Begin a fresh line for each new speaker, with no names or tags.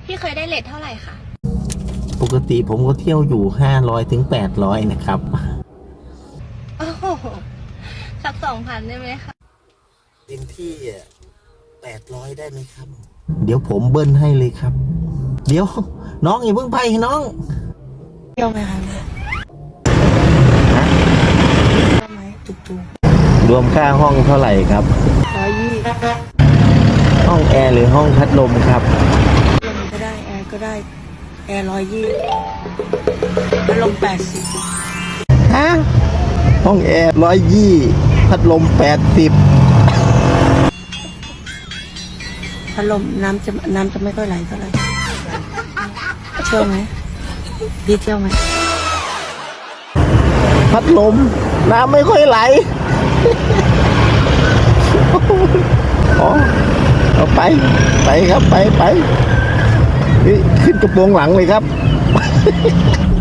พี่เคยได้เรทเท่าไหร่คะ
ปกติผมก็เที่ยวอยู่500 ถึง 800นะครับ
โอ้โหสัก2,000ได้ไหมคะ
เต็มที่800ได้ไหมครับ เดี๋ยวผมเบิ้ลให้เลยครับ เดี๋ยวน้องอย่าเพิ่งไปน้อง
เที่ยวไหมคะเที่ยวไหมตุก
รวมค่าห้องเท่าไหร่ครับ
120
ห้องแอร์หรือห้องพัดลมครับ
ลมก็ได้แอร์ก็ได้แอร์120พัดลม80
ฮะ ห้องแอร์120พัดลม80
พัดลมน้ำจะไม่ค่อยไหลเท่าไหร่เที่ยวไหมพี่เที่ยวไหม
พัดลมน้ำไม่ค่อยไหลอ๋อเอาไปครับไปนี่ขึ้นกระโปรงหลังเลยครับ